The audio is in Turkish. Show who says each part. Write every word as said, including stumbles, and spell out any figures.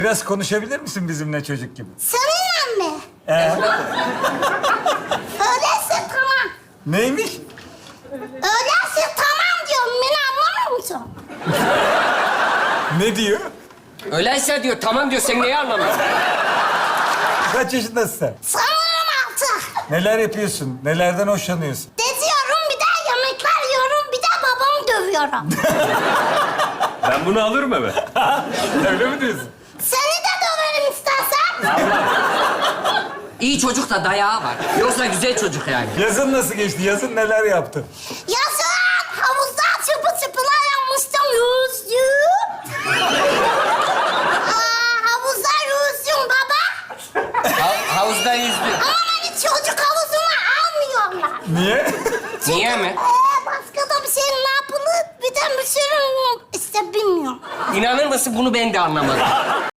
Speaker 1: Biraz konuşabilir misin bizimle çocuk gibi?
Speaker 2: Seninle mi?
Speaker 1: Ee,
Speaker 2: Öyleyse tamam.
Speaker 1: neymiş?
Speaker 2: Öyleyse tamam diyorum. Beni anlamıyor musun?
Speaker 1: Ne diyor?
Speaker 3: Öyleyse diyor, tamam diyor. Sen neyi anlamıyorsun?
Speaker 1: Kaç yaşındasın sen?
Speaker 2: Sanırım altı.
Speaker 1: Neler yapıyorsun? Nelerden hoşlanıyorsun?
Speaker 2: Geziyorum, bir de yemekler yiyorum, bir de babamı dövüyorum.
Speaker 4: Ben bunu alırım eve.
Speaker 1: Öyle mi diyorsun?
Speaker 2: Seni de döverim istersen.
Speaker 3: İyi çocuk da dayağı var. Yoksa güzel çocuk yani.
Speaker 1: Yazın nasıl geçti? Yazın neler yaptın?
Speaker 2: Yazın havuzda çıpı çıpılar yapmıştım, yüzdüm. Aa, havuzda yüzdüm baba.
Speaker 3: Ha- havuzda yüzdü.
Speaker 2: Ama beni çocuk havuzuna almıyorlar.
Speaker 1: Niye?
Speaker 3: Niye mi?
Speaker 2: Ee, başka da bir şey ne yapılır? Bir de bir sürü işte bilmiyorum.
Speaker 3: İnanır mısın, bunu ben de anlamadım.